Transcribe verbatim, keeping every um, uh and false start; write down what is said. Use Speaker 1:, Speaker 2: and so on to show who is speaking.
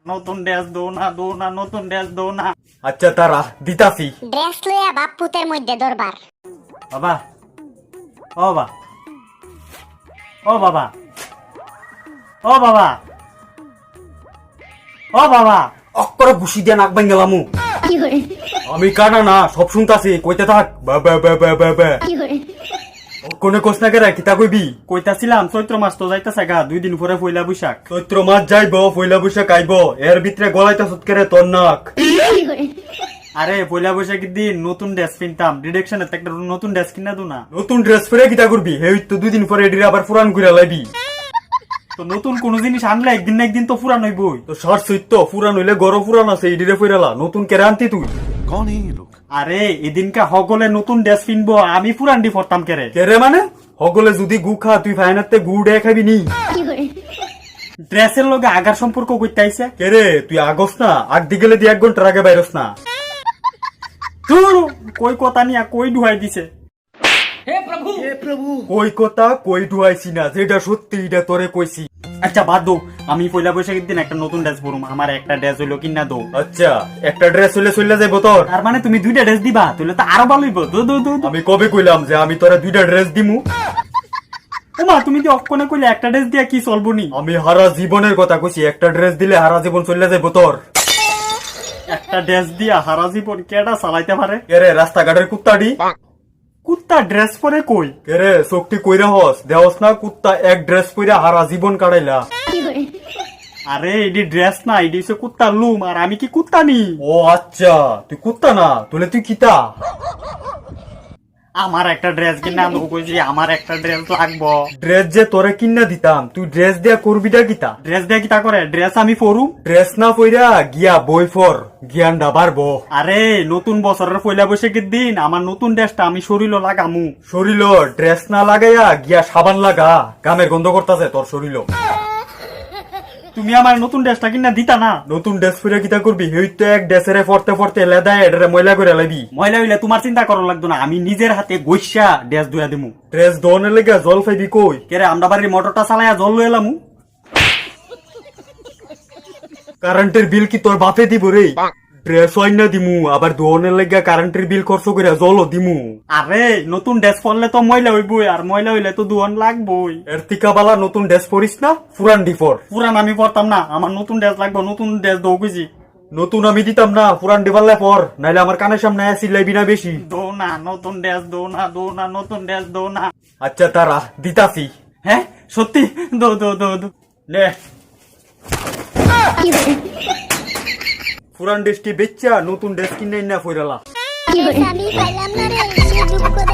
Speaker 1: নতুন ড্রেস দো না দো না নতুন ড্রেস দো না।
Speaker 2: আচ্ছা তারা দিতাছি।
Speaker 3: ড্রেস লইয়া বাপ পুতের মধ্যে দরবার।
Speaker 1: বাবা ও বাবা ও বাবা ও বাবা ও বাবা
Speaker 2: অক্করে বুসি দিয়ে নাক ভাঙ গেলামু। আমি কানা না সব শুনতাছি, কইতে থাক। বাবা বাবা বাবা কোনে কোস না কেরা কিতা কইবি?
Speaker 1: কইতাছিলাম চৈত্র মাস তো যাইতাছে গা, দুই দিন পরে পয়লা বৈশাখ।
Speaker 2: চৈত্র মাস যাইব, পয়লা বৈশাখ আইব, এর ভিতরে গলাইতা সুতকেরে তোর নাক।
Speaker 1: আরে পয়লা বৈশাখের দিন নতুন ড্রেস কিনতাম, ডিরেকশনে একটা নতুন ড্রেস কিনা দু না।
Speaker 2: নতুন ড্রেস পরে কিতা করবি? হেই তো দুই দিন পরে এডির আবার পুরান কইরা লাইবি।
Speaker 1: তো নতুন কোন জিনিস আনলে একদিন না একদিন তো পুরান হইবই।
Speaker 2: তো সার সইতো পুরান হইলে গরো পুরান আছে, এডিরে ফিরালা নতুন কেরা আনতি তুই?
Speaker 4: कौन है ये लोग?
Speaker 1: আরে এদিনকা হগলে নতুন ড্রেস কিনবো, আমি পুরান ডি পরতাম কেরে।
Speaker 2: কেরে মানে? হগলে যদি গু খা তুই ফাইনাতে গু ডে খাবি নি?
Speaker 1: ড্রেসের লগে আগার সম্পর্ক কইতে আইছে।
Speaker 2: কেরে তুই আগস না? আগ দি গেলে দি এক ঘন্টার আগে বাইরস না।
Speaker 1: ধুর, কই কথা নিয়া কই ডুহাই দিছে।
Speaker 2: কই কথা কই ডুয়াইছি না, যেটা সত্যি এটা তোরে কইছি।
Speaker 1: আচ্ছা বাদ দো, আমি পয়লা বৈশাখের দিন একটা নতুন ড্রেস পরুম, আমার একটা ড্রেস হইলো কিনা দো।
Speaker 2: আচ্ছা একটা ড্রেস হইলে চলে যাইব তোর?
Speaker 1: তার মানে তুমি দুইটা ড্রেস দিবা, তাহলে তো আরো ভালো হইব। দো দো দো দো।
Speaker 2: আমি কবে কইলাম যে আমি তোরা দুইটা ড্রেস দিমু?
Speaker 1: ওমা তুমি তো অক্ষণে কইলে একটা ড্রেস দিয়া কি চলবো নি?
Speaker 2: আমি হারা জীবনের কথা কইছি, একটা ড্রেস দিলে হারা জীবন চলে যাইব তোর।
Speaker 1: একটা ড্রেস দিয়া হারা জীবন কেডা চালাইতে পারে?
Speaker 2: কেরে রাস্তাঘাটের কুত্তাডি?
Speaker 1: কুত্তা ড্রেস পরে কই?
Speaker 2: কেরে চোখটি কইরা হস দেওস না? কুত্তা এক ড্রেস পইরা হারা জীবন কাটাইলা।
Speaker 1: আরে এডি ড্রেস না, এডি হচ্ছে কুত্তার লুম, আর আমি কি কুত্তা নি?
Speaker 2: ও আচ্ছা তুই কুত্তা না, তুলে তুই কিতা?
Speaker 1: আমার একটা ড্রেস কিনা আনবো কইছি, আমার একটা ড্রেস লাগবো।
Speaker 2: ড্রেস যে তোরে কিনা দিতাম, তুই ড্রেস দিয়া করবিটা কিতা?
Speaker 1: ড্রেস দিয়ে কিতা করে? ড্রেস আমি পরুম।
Speaker 2: ড্রেস না পইরা গিয়া বই ফর, জ্ঞানটা বাড়বো।
Speaker 1: আরে নতুন বছরের পয়লা বৈশাখের দিন আমার নতুন ড্রেসটা আমি শরীর লাগামু।
Speaker 2: শরীর ড্রেস না লাগাইয়া গিয়া সাবান লাগা, গামের গন্ধ করতাছে তোর শরীর।
Speaker 1: তুমি আমার নতুন ড্রেসটা কিনা দিতা না?
Speaker 2: নতুন ড্রেস পরে কিতা করবি? হেই তো এক ড্রেসেরে ফরতে ফরতে লেদা এডারে ময়লা করে লাইবি।
Speaker 1: ময়লা হইলে তোমার চিন্তা করা লাগতো না, আমি নিজের হাতে গৈসা ড্রেস ধুয়া দিমু।
Speaker 2: ড্রেস ধোনের লেগে জল পাইবি কই?
Speaker 1: কেরে আমরা বাড়ির মোটরটা চালাইয়া জল লয়ে এলামু।
Speaker 2: কারেন্টের বিল কি তোর বাপে দিব রে? ড্রেস হয় না দিমু, আবার ধোনের লেগে কারেন্টের বিল খরচ করে জলও দিমু।
Speaker 1: আরে নতুন ড্রেস পরলে তো ময়লা হইবই, আর ময়লা হইলে তো দুয়ন লাগবই।
Speaker 2: এর টিকা বালা নতুন ড্রেস পরিস না, পুরান ডিফর।
Speaker 1: পুরান আমি পরতাম না, আমার নতুন ড্রেস লাগবে, নতুন ড্রেস দৌ বুঝি।
Speaker 2: নতুন আমি দিতাম না, পুরান ডিবাল্লে পর, নাইলে আমার কানের সামনে আসি লাইবি না বেশি।
Speaker 1: দো না নতুন ড্রেস, দো না দো না নতুন ড্রেস, দো না।
Speaker 2: আচ্ছা তারা দিতাছি।
Speaker 1: হ্যাঁ সত্যি? দো দো দো দো নে।
Speaker 2: পুরান ড্রেসটি বেচ্চা নতুন ড্রেস কিনে না ফইরালা।
Speaker 3: আমি পাইলাম না রে, দুঃখ